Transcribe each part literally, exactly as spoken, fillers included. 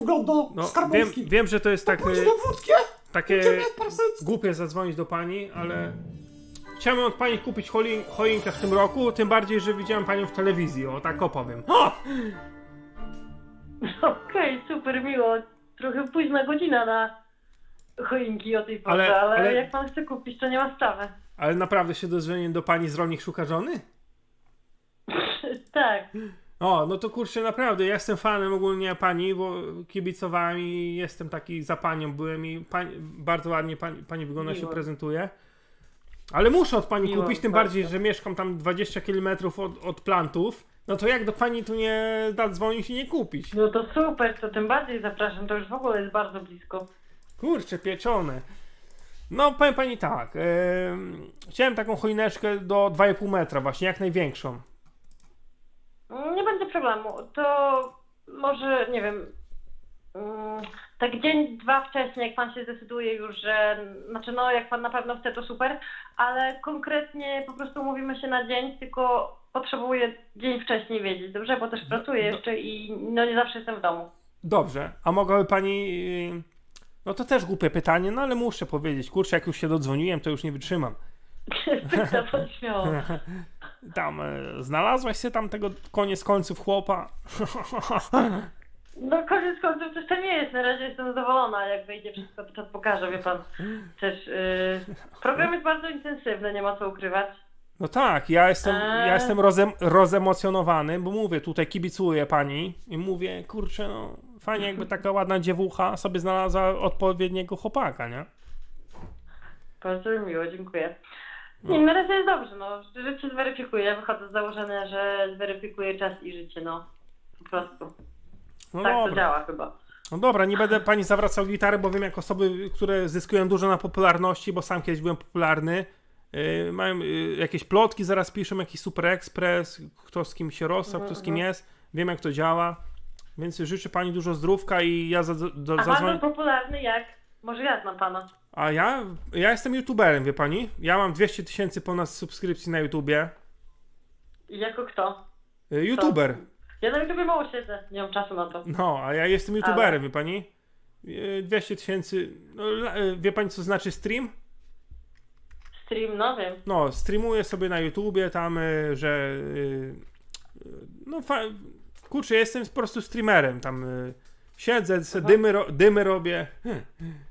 wygląda No, skarbówki. wiem, wiem, że to jest tak, Pójdź y, na wódkę, takie idziemy parsencko. głupie zadzwonić do pani, ale chciałem od pani kupić choin choinkę w tym roku, tym bardziej, że widziałem panią w telewizji, o tak opowiem. O! Okej, super miło. Trochę późna godzina na choinki o tej porze, Ale- ale, ale- jak pan chce kupić, to nie ma sprawy. Ale naprawdę się dozwoniłem do pani z Rolnik Szuka Żony? Tak. O, no to kurczę, naprawdę, ja jestem fanem ogólnie pani, bo kibicowałem i jestem taki za panią byłem i pani, bardzo ładnie pani, pani wygląda, się Miło. prezentuje. Ale muszę od pani Miło kupić, tym bardzo. bardziej, że mieszkam tam dwadzieścia kilometrów od, od plantów. No to jak do pani tu nie zadzwonić i nie kupić? No to super, to tym bardziej zapraszam, to już w ogóle jest bardzo blisko. Kurczę, pieczone. No powiem pani tak, em, chciałem taką choineczkę do dwa i pół metra właśnie, jak największą. Nie będzie problemu, to może, nie wiem, mm, tak dzień, dwa wcześniej, jak pan się zdecyduje już, że, znaczy no jak pan na pewno chce, to super, ale konkretnie po prostu umówimy się na dzień, tylko potrzebuję dzień wcześniej wiedzieć, dobrze? Bo też pracuję jeszcze i no nie zawsze jestem w domu. Dobrze, a mogłaby pani... yy, No to też głupie pytanie, no ale muszę powiedzieć. Kurczę, jak już się dodzwoniłem, to już nie wytrzymam. Pyta pan śmiało. Tam, e, znalazłaś się tam tego koniec końców chłopa? No koniec końców też to nie jest, na razie jestem zadowolona, jak wyjdzie wszystko, to pokażę, wie pan. Też yy, program jest bardzo intensywny, nie ma co ukrywać. No tak, ja jestem, Eee. ja jestem rozem, rozemocjonowany, bo mówię, tutaj kibicuję pani i mówię, kurczę, no fajnie jakby taka ładna dziewucha sobie znalazła odpowiedniego chłopaka, nie? Bardzo mi miło, dziękuję. Nie, na razie jest dobrze, no. Życie zweryfikuje. Ja wychodzę z założenia, że zweryfikuje czas i życie, no. Po prostu. No tak to dobra. działa chyba. No dobra, nie będę pani zawracał gitary, bo wiem jak osoby, które zyskują dużo na popularności, bo sam kiedyś byłem popularny, yy, mają yy, jakieś plotki, zaraz piszą, jakiś Super Express, kto z kim się rozstał, kto z kim jest, wiem jak to działa, więc życzę pani dużo zdrówka i ja za, do, A zadzwonię. bardzo popularny jak? Może ja znam pana. A ja? Ja jestem youtuberem, wie pani? Ja mam dwieście tysięcy ponad subskrypcji na YouTubie. I jako kto? Yy, YouTuber. Ja na YouTubie mało siedzę, nie mam czasu na to. No, a ja jestem youtuberem, Ale- wie pani? Yy, dwieście tysięcy, no, la- yy, wie pani co znaczy stream? Stream, no wiem. No, streamuję sobie na YouTubie tam, y, że y, y, no fa- kurczę, jestem po prostu streamerem tam, y, siedzę, se dymy, ro- dymy robię. Hmm.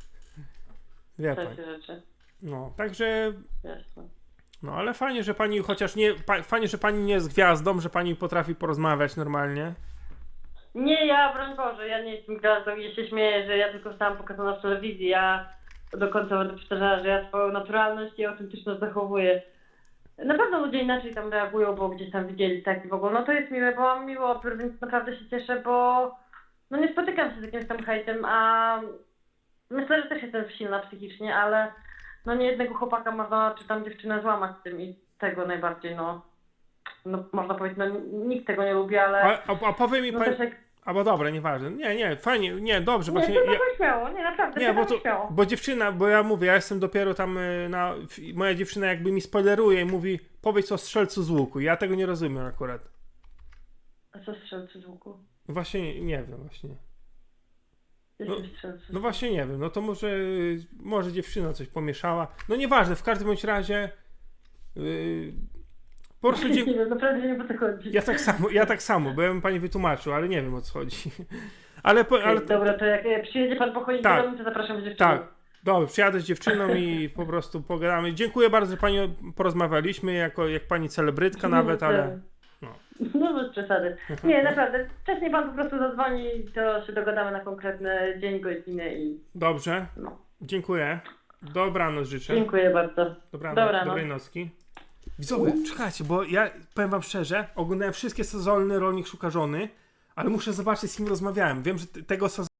Wie pani. Takie rzeczy. No, także, Jasne. no ale fajnie, że pani chociaż nie, pa- fajnie, że pani nie jest gwiazdą, że pani potrafi porozmawiać normalnie. Nie, ja, broń Boże, ja nie jestem gwiazdą i ja się śmieję, że ja tylko zostałam pokazana w telewizji. Ja do końca będę powtarzała, że ja swoją naturalność i autentyczność zachowuję. Na pewno ludzie inaczej tam reagują, bo gdzieś tam widzieli tak i w ogóle. No to jest miłe, bo mam miły odbiór, więc naprawdę się cieszę, bo no nie spotykam się z jakimś tam hejtem, a myślę, że też jestem silna psychicznie, ale no nie jednego chłopaka można, czy tam dziewczynę złamać z tym i tego najbardziej, no, no można powiedzieć, no nikt tego nie lubi, ale A, a, a powie mi no pani, też jak... albo dobra, nieważne, nie, nie, fajnie, nie, dobrze, Nie, właśnie, to ja, ja... śmiało, nie, naprawdę, nie, bo to, śmiało. bo dziewczyna, bo ja mówię, ja jestem dopiero tam y, na, f- moja dziewczyna jakby mi spoileruje i mówi, powiedz o strzelcu z łuku, ja tego nie rozumiem akurat. A co strzelcy z łuku? Właśnie nie, nie wiem, właśnie. Jestem strzelcy. No właśnie nie wiem, no to może, może dziewczyna coś pomieszała. No nieważne, w każdym bądź razie yy, po prostu Nie dzie- wiem, naprawdę nie wiem, o co chodzi. ja tak samo, ja tak samo, bo ja bym pani wytłumaczył, ale nie wiem o co chodzi. Ale, po, ale Dobra, to jak e, przyjedzie pan po choinkę Tak. do mnie, to zapraszam dziewczynę. tak, dobrze, przyjadę z dziewczyną i po prostu pogadamy. Dziękuję bardzo, że pani porozmawialiśmy, jako jak pani celebrytka nawet, ale no. No bez przesady. Nie, naprawdę. Wcześniej pan po prostu zadzwoni, to się dogadamy na konkretny dzień, godzinę i Dobrze, no. dziękuję. Dobranoc życzę. Dziękuję bardzo. Dobranoc, Dobranoc. dobrej nocki. Widzowie, czekajcie, bo ja powiem wam szczerze, oglądałem wszystkie sezony Rolnik Szuka Żony, ale muszę zobaczyć, z kim rozmawiałem. Wiem, że t- tego sezonu